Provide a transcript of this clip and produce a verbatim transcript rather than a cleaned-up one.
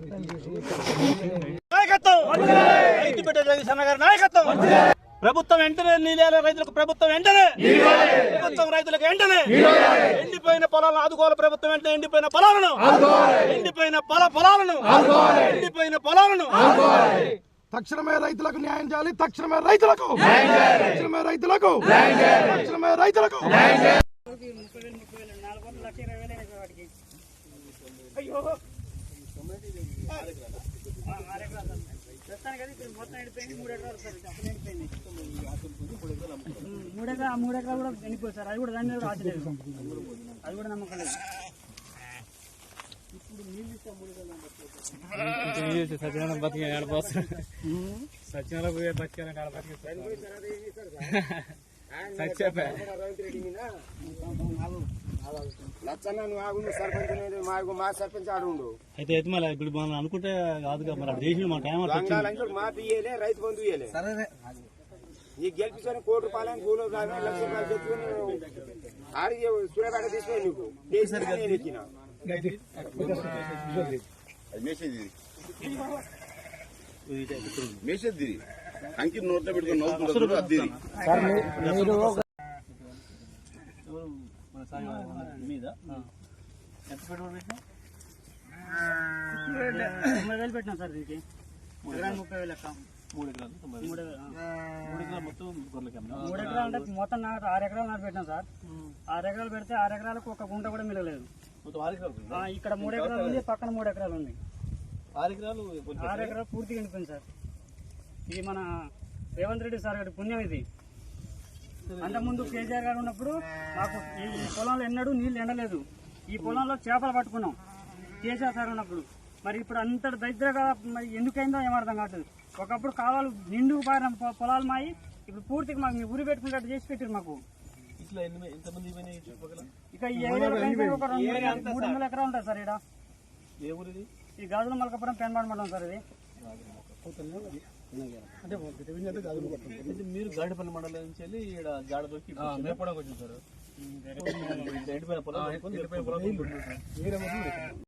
ప్రభుత్వం వెంటనే నీళ్ళ రైతులకు ప్రభుత్వం వెంటనే ప్రభుత్వం రైతులకు వెంటనే ఎండిపోయిన పొలాలను ఆదుకోవాలి. ప్రభుత్వం వెంటనే ఎండిపోయిన పొలాలను ఎండిపోయిన పొల పొలాలను ఎండిపోయిన పొలాలను తక్షణమే రైతులకు న్యాయం చేయాలి. తక్షణమే రైతులకు తక్షణమే రైతులకు తక్షణమే రైతులకు మూడెకరా మూడు ఎకరాలు కూడా వెళ్ళిపోయి సార్. అది కూడా దాని మీద కూడా ఆచలేదు. అది కూడా నమ్మకం లేదు. సత్యనారాయణ బతికే ఆడపోతారు. సత్యనారాయణ పోయే బతికే ఆడ బతికే సత్యపే మా సర్పంచ్ ఆడు అయితే అయితే మళ్ళీ ఇప్పుడు మనం అనుకుంటే కాదుగా మరి చేసి మా టైం మా పియ్యలే రైతు బంధు ఇయ్యలే. నీకు గెలిపించుకొని కోటి రూపాయలు భూలో లక్ష రూపాయలు తెచ్చుకొని ఆడికి సూర్యపేట తీసుకొని నీకు ఎక్కిన మేసేది అంకి నోట్లో పెట్టుకుని నవ్వుతుంటారు. అది మీద ఎంత పెట్టుబడి పెట్టినా తొంభై వేలు పెట్టినా సార్. దీనికి ఎకరానికి ముప్పై వేలు లెక్క. మూడు ఎకరాలు మూడు మూడు ఎకరాలు మొత్తం గొర్రెలకి మూడు ఎకరాలు అంటే మొత్తం నాటు ఆరు ఎకరాలు నాటు పెట్టినాం సార్. ఆరు ఎకరాలు పెడితే ఆరు ఎకరాలకు ఒక గుంట కూడా మిగలేదు. ఇక్కడ మూడు ఎకరాలు ఉంది, పక్కన మూడు ఎకరాలు ఉంది. ఆరు ఎకరాలు ఆరు ఎకరాలు పూర్తిగా ఎండిపోయింది సార్. ఇది మన రేవంత్ రెడ్డి సార్ గారి పుణ్యం ఇది. అంతకుముందు కేసీఆర్ గారు ఉన్నప్పుడు మాకు ఈ పొలంలో ఎన్నడూ నీళ్లు ఎండలేదు. ఈ పొలంలో చేపలు పట్టుకున్నాం కేసీఆర్ సార్ ఉన్నప్పుడు. మరి ఇప్పుడు అంత దరిద్రగా మరి ఎందుకైందో ఏమర్థం కావట్లేదు. ఒకప్పుడు కావాలి నిండుకు పారిన పొలాలు మాయి ఇప్పుడు పూర్తిగా మాకు మీ ఊరి పెట్టుకున్నట్టు చేసి పెట్టారు మాకు. ఇట్లా ఎంతమంది ఇక ఈ ఏరియా ఒక రెండు మూడు వందల ఎకరా ఉంటుంది సార్. ఇక్కడ ఏ ఊరిది? ఈ గాజుల మలకపురం పెన్బాడ్ మండలం సార్. ఇది అంటే మీరు గాడిపల్లి మండలం నుంచి వెళ్ళి ఇక్కడ జాడ దొరికి మేపడానికి వచ్చారు సార్. ఎండిపోయిన పొలం